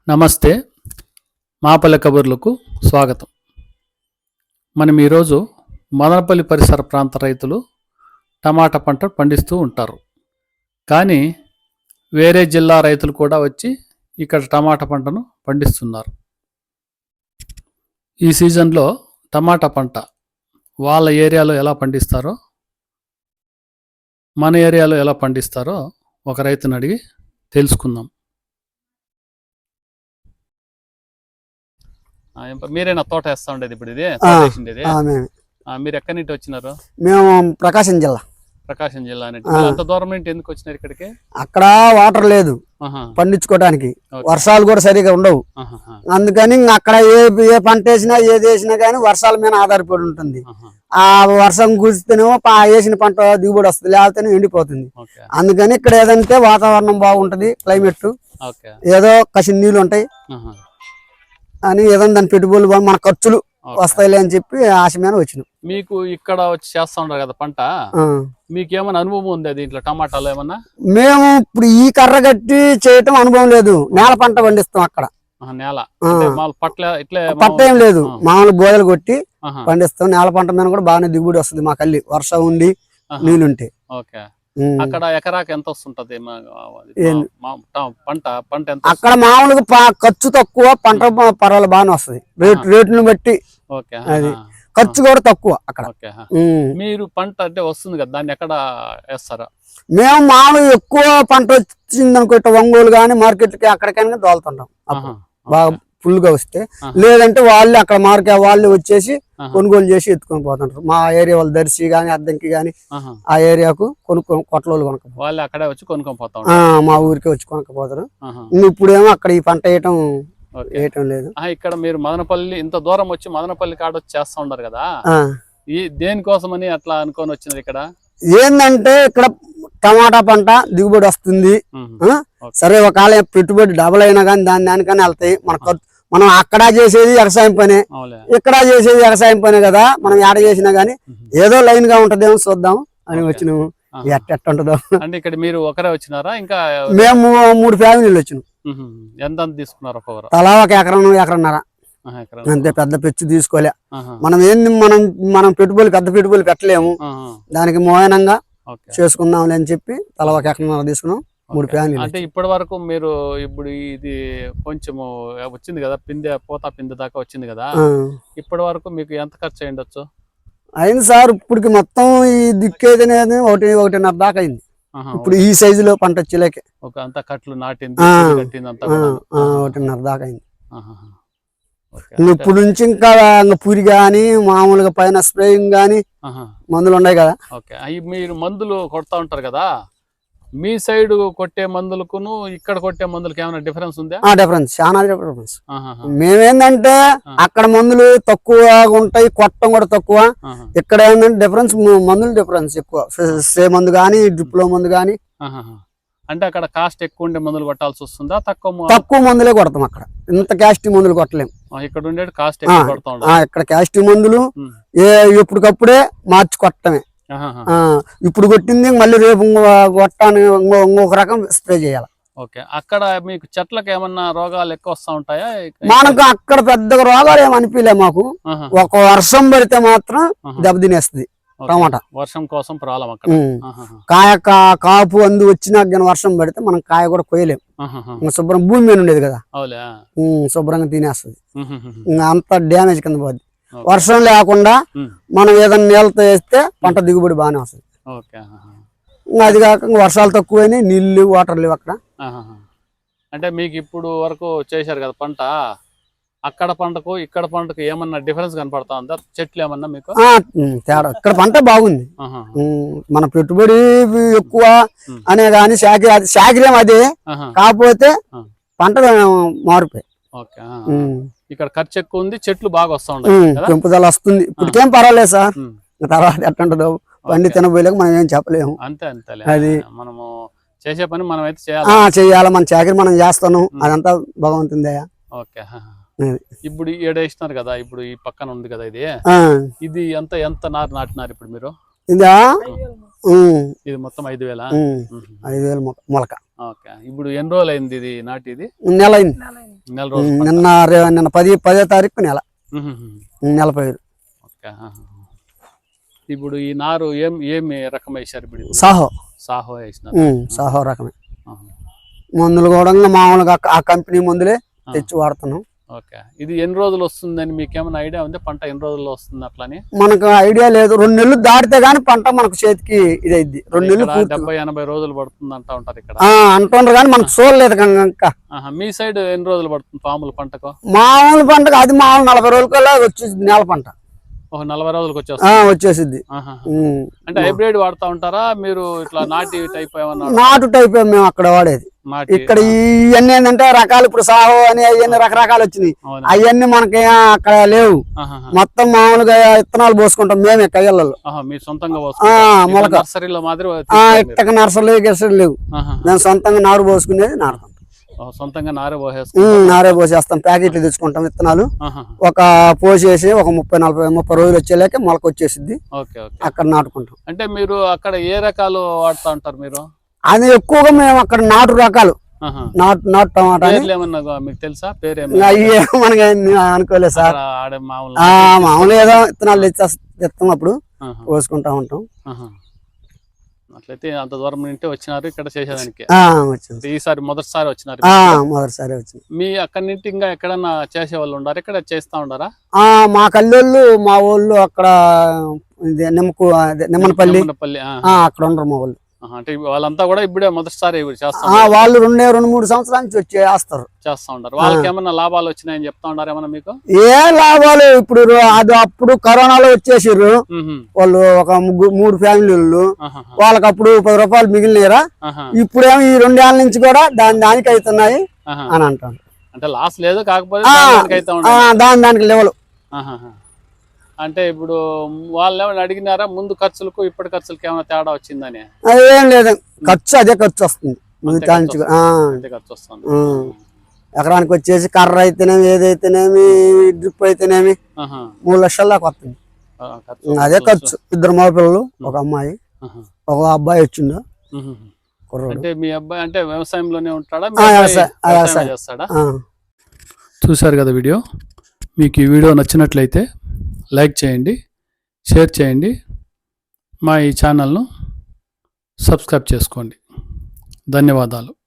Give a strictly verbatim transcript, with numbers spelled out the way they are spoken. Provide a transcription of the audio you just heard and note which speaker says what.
Speaker 1: నమస్తే, మాపల్లె కబుర్లకు స్వాగతం. మనం ఈరోజు మదనపల్లి పరిసర ప్రాంత రైతులు టమాటా పంట పండిస్తూ ఉంటారు. కానీ వేరే జిల్లా రైతులు కూడా వచ్చి ఇక్కడ టమాటా పంటను పండిస్తున్నారు. ఈ సీజన్లో టమాటా పంట వాళ్ళ ఏరియాలో ఎలా పండిస్తారో, మన ఏరియాలో ఎలా పండిస్తారో ఒక రైతుని అడిగి తెలుసుకుందాం. మీరేనా తోట వేస్తా ఉండేది ఇప్పుడు? ఇది మీరు ఎక్కడి నుంచి వచ్చినారు?
Speaker 2: మేము ప్రకాశం జిల్లా.
Speaker 1: ప్రకాశం జిల్లా అంత దూరం నుంచి ఎందుకు వచ్చినారు ఇక్కడికి?
Speaker 2: అక్కడ వాటర్ లేదు పండించుకోవడానికి, వర్షాలు కూడా సరిగా ఉండవు. అందుకని అక్కడ ఏ ఏ పంట వేసినా ఏది వేసినా కానీ వర్షాల మీద ఆధారపడి ఉంటుంది. ఆ వర్షం కురిస్తేనేమో వేసిన పంట దిగుబడి వస్తుంది, లేకపోతే ఎండిపోతుంది. అందుకని ఇక్కడ ఏదంటే వాతావరణం బాగుంటది, క్లైమేట్ ఏదో కసి నీళ్ళు ఉంటాయి అని ఏదైనా దాని పెట్టుబడులు మన ఖర్చులు వస్తాయిలే అని చెప్పి ఆశ మీద వచ్చినాం.
Speaker 1: మీకు ఇక్కడ వచ్చి చేస్తా ఉన్నారు కదా పంట, మీకు ఏమైనా అనుభవం ఉంది దీంట్లో టమాటాలు ఏమన్నా?
Speaker 2: మేము ఇప్పుడు ఈ కర్ర కట్టి చేయటం అనుభవం లేదు, నేల పంట పండిస్తాం అక్కడ.
Speaker 1: నేల పట్ల ఇట్లా
Speaker 2: పట్ట ఏం లేదు, మామూలు బోయలు కొట్టి పండిస్తాం. నేల పంట మీద కూడా బాగానే దిగుబడి వస్తుంది మాకు, అల్లి వర్షం ఉండి నీళ్ళుంటే.
Speaker 1: ఓకే, అక్కడ ఎకరాకి ఎంత వస్తుంటది పంట? పంట
Speaker 2: అక్కడ మామూలుగా ఖర్చు తక్కువ, పంట పర్వాలేదు బాగానే వస్తుంది. రేటు రేటుని బట్టి అది ఖర్చు కూడా తక్కువ అక్కడ.
Speaker 1: మీరు పంట అంటే వస్తుంది కదా, దాన్ని ఎక్కడ వేస్తారా?
Speaker 2: మేము మామూలుగా ఎక్కువ పంట వచ్చింది అనుకో ఒంగోలు గానీ మార్కెట్కి అక్కడికైనా దోలుతుంటాం. బాగా ఫుల్ గా వస్తే, లేదంటే వాళ్ళు అక్కడ మార్కెట్ వాళ్ళు వచ్చేసి కొనుగోలు చేసి ఎత్తుకొని పోతుంటారు. మా ఏరియా వాళ్ళు దర్శి గానీ అద్దంకి గానీ ఆ ఏరియాకు కొనుక్కో కొట్టలోళ్ళు కొనుక్కో
Speaker 1: వాళ్ళు అక్కడే వచ్చి కొనుక్కొని పోతారు,
Speaker 2: మా ఊరికి వచ్చి కొనుక్కపోతారు. ఇప్పుడేమో అక్కడ ఈ పంట వేయటం వేయటం లేదు.
Speaker 1: ఇక్కడ మీరు మదనపల్లి ఇంత దూరం వచ్చి మదనపల్లి కాడ వచ్చి చేస్తా ఉంటారు కదా, ఈ దేనికోసమని అట్లా అనుకొని వచ్చినారు ఇక్కడ?
Speaker 2: ఏంటంటే ఇక్కడ టమాటా పంట దిగుబడి వస్తుంది, సరే ఒకవేళ పెట్టుబడి డబుల్ అయినా కానీ దాని దానికన్నా వెళ్తాయి. మన మనం అక్కడ చేసేది వ్యవసాయం పనే, ఇక్కడ చేసేది వ్యవసాయం పనే కదా, మనం ఏడ చేసినా గానీ ఏదో లైన్ గా ఉంటదేమో చూద్దాం అని వచ్చినాము. ఎట్ట ఉంటుందో.
Speaker 1: అంటే ఇక్కడ మీరు ఒకరే వచ్చినారా? ఇంకా
Speaker 2: మేము మూడు ఫ్యామిలీలు వచ్చినాం.
Speaker 1: ఎంత తీసుకున్నారు?
Speaker 2: తలా ఒక ఎకరం ఎకరన్నర అంతే, పెద్ద పెచ్చు తీసుకోలే. మనం ఏంది మనం మనం పెట్టుబడులు పెద్ద పెట్టుబడులు పెట్టలేము, దానికి మోయనంగా చేసుకుందాంలే అని చెప్పి తల ఒక ఎకరన్నర తీసుకున్నాం. మూడు ఫ్యామిలీ.
Speaker 1: అంటే ఇప్పటి వరకు మీరు ఇప్పుడు ఇది కొంచెము వచ్చింది కదా, పిందె పోతా పిందె దాకా వచ్చింది కదా, ఇప్పటి వరకు మీకు ఎంత ఖర్చు అయ్యిండొచ్చు?
Speaker 2: అయింది సార్, ఇప్పటికి మొత్తం ఈ దిక్కేది ఒకటి ఒకటిన్నర దాకా అయింది. ఇప్పుడు ఈ సైజులో పంట వచ్చేలేకే
Speaker 1: ఒక అంతా కట్లు నాటింది
Speaker 2: ఒకటిన్నర దాకా అయింది. ఇప్పుడు నుంచి ఇంకా పూరి గాని మామూలుగా పైన స్ప్రేయింగ్ గాని మందులు ఉన్నాయి కదా.
Speaker 1: ఓకే, మీరు మందులు కొడతా ఉంటారు కదా, మీ సైడ్ కొట్టే మందులకును ఇక్కడ కొట్టే మందులకి ఏమైనా డిఫరెన్స్ ఉందా?
Speaker 2: డిఫరెన్స్ చాలా డిఫరెన్స్. మేమేందంటే అక్కడ మందులు తక్కువ ఉంటాయి, కొట్టం కూడా తక్కువ. ఇక్కడ ఏంటంటే డిఫరెన్స్ మందులు డిఫరెన్స్ ఎక్కువ, స్ప్రే మందు గానీ డ్రిప్ లో మందు గానీ.
Speaker 1: అంటే అక్కడ కాస్ట్ ఎక్కువ ఉండే మందులు కొట్టాల్సి వస్తుందా? తక్కువ
Speaker 2: తక్కువ మందులే కొడతాం అక్కడ, ఇంత క్యాస్టి మందులు కొట్టలేము.
Speaker 1: ఇక్కడ ఉండే కాస్ట్ ఎక్కువ కొడతాం.
Speaker 2: ఇక్కడ క్యాస్టి మందులు ఏ ఎప్పటికప్పుడే మార్చి కొట్టమే. ఇప్పుడు కొట్టింది మళ్ళీ రేపు కొట్టాను ఇంకొక రకం స్ప్రే చేయాలి.
Speaker 1: ఓకే, అక్కడ మీకు చెట్లకు ఏమన్నా రోగాలు ఎక్కువ వస్తా ఉంటాయా?
Speaker 2: మనకు అక్కడ పెద్దగా రోగాలు ఏమి అనిపించలే మాకు. ఒక వర్షం పడితే మాత్రం దెబ్బతినేస్తుంది టమాటా.
Speaker 1: వర్షం కోసం ప్రాబ్లం అక్కడ.
Speaker 2: కాయ కాపు అందు వచ్చినాక వర్షం పడితే మనం కాయ కూడా కొయ్యలేము. శుభ్రం భూమి మీద ఉండేది కదా, శుభ్రంగా తినేస్తుంది, అంత డ్యామేజ్ కింద పోద్ది. వర్షం లేకుండా మనం ఏదైనా నీళ్ళతో వేస్తే పంట దిగుబడి బాగానే వస్తుంది. అది కాక వర్షాలు తక్కువైనాయి, నీళ్లు వాటర్ లేవు అక్కడ.
Speaker 1: అంటే మీకు ఇప్పుడు వరకు చేశారు కదా పంట, అక్కడ పంటకు ఇక్కడ పంటకు ఏమన్నా డిఫరెన్స్ కనపడతా ఉందా? చెట్లు ఏమన్నా మీకు
Speaker 2: తేడా? ఇక్కడ పంట బాగుంది, మన పెట్టుబడి ఎక్కువ అనే గాని శాఖ శాఖరేం అదే, కాకపోతే పంట మారిపోయి.
Speaker 1: ఇక్కడ ఖర్చు ఎక్కువ ఉంది, చెట్లు బాగా వస్తా ఉంటాయి,
Speaker 2: పెంపుదల వస్తుంది. ఇప్పటికేం పర్వాలేదు సార్, తర్వాత ఎట్టుంటదో పండి తినబోయలేక మనం ఏం చెప్పలేము.
Speaker 1: అంతే అంతే, అది మనము చేసే పని మనం అయితే చేయాలి
Speaker 2: చేయాలి మన చాకరీ మనం చేస్తాను, అదంతా భగవంతుందయ్యా.
Speaker 1: ఓకే, ఇప్పుడు ఏడేస్తున్నారు కదా, ఇప్పుడు ఈ పక్కన ఉంది కదా ఇది, ఇది ఎంత ఎంత నారు నాటినారు ఇప్పుడు మీరు?
Speaker 2: ఇదా
Speaker 1: ఇది మొత్తం ఐదు వేల
Speaker 2: ఐదు వేల మొలక.
Speaker 1: ఓకే, ఇప్పుడు ఎన్ని రోజులు అయింది ఇది నాటి? ఇది
Speaker 2: నెల అయింది.
Speaker 1: నెల రోజులు పంట.
Speaker 2: నిన్న రే- నిన్న పది పదో తారీఖు నెల
Speaker 1: మ్మ్.
Speaker 2: నెల పైరు
Speaker 1: ఓకే ఆహా. ఇప్పుడు ఈ నారు ఏం ఏమి రకం వేసారు ఇప్పుడు ఇది?
Speaker 2: సాహో
Speaker 1: సాహో వేసినారు.
Speaker 2: ఉమ్, సాహో రకమే.
Speaker 1: ఆహా.
Speaker 2: మందులు కూడా మామూలుగా ఆ కంపెనీ మందులే తెచ్చి వాడుతున్నాం.
Speaker 1: ఓకే ఇది ఎన్ని రోజులు వస్తుందని మీకు ఏమైనా ఐడియా ఉంది? పంట ఎన్ని రోజుల్లో వస్తుంది అట్లని?
Speaker 2: మనకు ఐడియా లేదు. రెండు నెలలు దాటితే గానీ పంట మనకు చేతికి ఇదైద్ది. రెండు నెలలు
Speaker 1: ఇక్కడ
Speaker 2: పూర్తి
Speaker 1: డెబ్బై ఎనభై రోజులు పడుతుంది అంటా ఉంటారు ఇక్కడ.
Speaker 2: ఆ, అంటుండ్రు కానీ మనకు చూడలేదు కనుక.
Speaker 1: ఆహా. మీ సైడ్ ఎన్ని రోజులు పడుతుంది పాముల పంటకు?
Speaker 2: మామూలు పంటకు అది మామూలు నలభై రోజులకల్లా వచ్చేసింది నెల పంట.
Speaker 1: ఒక నలభై రోజులకు
Speaker 2: ఆ,
Speaker 1: వచ్చేస్తుంది.
Speaker 2: వచ్చేసిద్ది.
Speaker 1: ఆహా.
Speaker 2: ఉమ్.
Speaker 1: అంటే హైబ్రిడ్ వాడుతా ఉంటారా మీరు? ఇట్లా నాటి టైప్ ఏమన్నా
Speaker 2: నాటు టైప్ మేము అక్కడ వాడేది.
Speaker 1: నాటి?
Speaker 2: ఇక్కడ ఇవన్నీ ఏంటంటే రకాలు ఇప్పుడు సాహో అని అవన్నీ రకరకాలు వచ్చినాయి.
Speaker 1: అవునా?
Speaker 2: అవన్నీ మనకి అక్కడ లేవు.
Speaker 1: ఆహాహా.
Speaker 2: మొత్తం మామూలుగా ఇత్తనాలు పోసుకుంటాం మేమే కయ్యలలో.
Speaker 1: ఆహా, మీరు సొంతంగా
Speaker 2: ఆ,
Speaker 1: పోసుకుంటారు?
Speaker 2: మొలక.
Speaker 1: ఇట్లా నర్సరీలో మాదిరి
Speaker 2: ఆ,
Speaker 1: తీసుకోరు మీరు?
Speaker 2: ఇట్టక నర్సలు గెసలు లేవు.
Speaker 1: ఆహా.
Speaker 2: మేము సొంతంగా నారు పోసుకునేది నాటుకుంటాం.
Speaker 1: ఓ, సొంతంగా నారే
Speaker 2: ఉమ్,
Speaker 1: పోసేసుకుంటారు.
Speaker 2: నారే పోసేస్తాం. ప్యాకెట్లు తెచ్చుకుంటాం విత్తనాలు.
Speaker 1: ఆహా.
Speaker 2: ఒక పోసేసి ఒక ముప్పై నలభై ముప్పై రోజులు వచ్చేలాకే మొలక వచ్చేసిద్ది.
Speaker 1: Okay okay.
Speaker 2: అక్కడ నాటుకుంటాం.
Speaker 1: అంటే మీరు అక్కడ ఏ రకాలు వాడుతా ఉంటారు మీరు?
Speaker 2: అది ఎక్కువగా మేము అక్కడ నాటు రకాలు
Speaker 1: ఆహా.
Speaker 2: నాటు నాటు టమాటా అని
Speaker 1: పేర్లు ఏమన్నా మీకు తెలుసా? పేరు
Speaker 2: ఇంకా
Speaker 1: ఏమన్నా?
Speaker 2: అయ్యే మనకి అనుకోలేదు సార్.
Speaker 1: అక్కడ ఆడే మామూలు
Speaker 2: ఆ, మామూలు ఏదో విత్తనాలు తెచ్చేస్ తెస్తున్నప్పుడు
Speaker 1: ఆహా.
Speaker 2: పోసుకుంటా ఉంటాం.
Speaker 1: ఆహా. అట్లయితే అంత దూరం నుండి వచ్చినారు ఇక్కడ చేసేదానికి.
Speaker 2: ఆ, వచ్చింది.
Speaker 1: ఈసారి మొదటిసారి వచ్చినారు.
Speaker 2: ఆ, మొదటిసారి వచ్చింది.
Speaker 1: మీ అక్కడి నుండి ఇంకా ఎక్కడన్నా చేసే వాళ్ళు ఉండారు? ఇక్కడ చేస్తా ఉండారా?
Speaker 2: ఆ, మా కల్లోళ్ళు మా ఊళ్ళు అక్కడ ఇది నిమ్మకు అదే నిమ్మనపల్లి
Speaker 1: నిమ్మనపల్లి, ఆ.
Speaker 2: ఆ, అక్కడ ఉండరు మా వాళ్ళు.
Speaker 1: ఆహా, అంటే వాళ్ళంతా కూడా ఇప్పుడే మొదటిసారి ఇవి చేస్తా
Speaker 2: ఆ, వాళ్ళు రెండే రెండు మూడు సంవత్సరాల నుంచి వచ్చి వేస్తారు.
Speaker 1: చేస్తా ఉంటారు. వాళ్ళకి ఏమన్నా లాభాలు వచ్చినాయని చెప్తా ఉన్నారు ఏమన్నా మీకు?
Speaker 2: ఏ లాభాలు ఇప్పుడు అది అప్పుడు కరోనాలో వచ్చేసారు
Speaker 1: మ్హూ.
Speaker 2: వాళ్ళు ఒక ముగ్గురు మూడు ఫ్యామిలీలు.
Speaker 1: ఆహాహా.
Speaker 2: వాళ్ళకి అప్పుడు పది రూపాయలు మిగిలినారా.
Speaker 1: ఆహా.
Speaker 2: ఇప్పుడేమో ఈ రెండేళ్ల నుంచి కూడా దాని దానికి అవుతున్నాయి
Speaker 1: ఆహా.
Speaker 2: అని అంటారు.
Speaker 1: అంటే లాస్ లేదు, కాకపోతే
Speaker 2: ఆ,
Speaker 1: దానికి అయితే
Speaker 2: ఆ,
Speaker 1: ఉండదు.
Speaker 2: దాని దానికి లెవెల్.
Speaker 1: ఆహాహా. అంటే ఇప్పుడు వాళ్ళు ఏమైనా అడిగినారా ముందు ఖర్చులకు ఇప్పటి ఖర్చులకు ఏమైనా తేడా వచ్చిందని?
Speaker 2: ఏం లేదు, ఖర్చు అదే ఖర్చు వస్తుంది.
Speaker 1: అంతే
Speaker 2: మిగతా
Speaker 1: ఖర్చు
Speaker 2: నుంచి
Speaker 1: వస్తుంది.
Speaker 2: ఆ,
Speaker 1: అంతే ఖర్చు వస్తుంది.
Speaker 2: ఆ. ఎకరానికి వచ్చేసి కర్ర అయితేనేమి ఏదైతేనేమి డ్రిప్ అయితేనేమి
Speaker 1: ఆహా.
Speaker 2: మూడు లక్షల దాకా వస్తుంది.
Speaker 1: ఆ, ఖర్చు.
Speaker 2: అదే ఖర్చు. ఇద్దరు మగ పిల్లలు, ఒక అమ్మాయి,
Speaker 1: ఆహా.
Speaker 2: ఒక అబ్బాయి వచ్చిండు
Speaker 1: మ్హూ.
Speaker 2: కుర్రోడు.
Speaker 1: అంటే మీ అబ్బాయి అంటే వ్యవసాయంలోనే ఉంటాడా? మీ
Speaker 2: ఆ,
Speaker 1: అబ్బాయి
Speaker 2: వ్యవసాయం, ఆ,
Speaker 1: వ్యవసాయం
Speaker 2: వ్యవసాయం.
Speaker 1: చేస్తాడా?
Speaker 2: ఆ.
Speaker 1: చూశారు కదా వీడియో. మీకు ఈ వీడియో నచ్చినట్లయితే లైక్ చేయండి, షేర్ చేయండి, మా ఈ ఛానల్ను సబ్స్క్రైబ్ చేసుకోండి. ధన్యవాదాలు.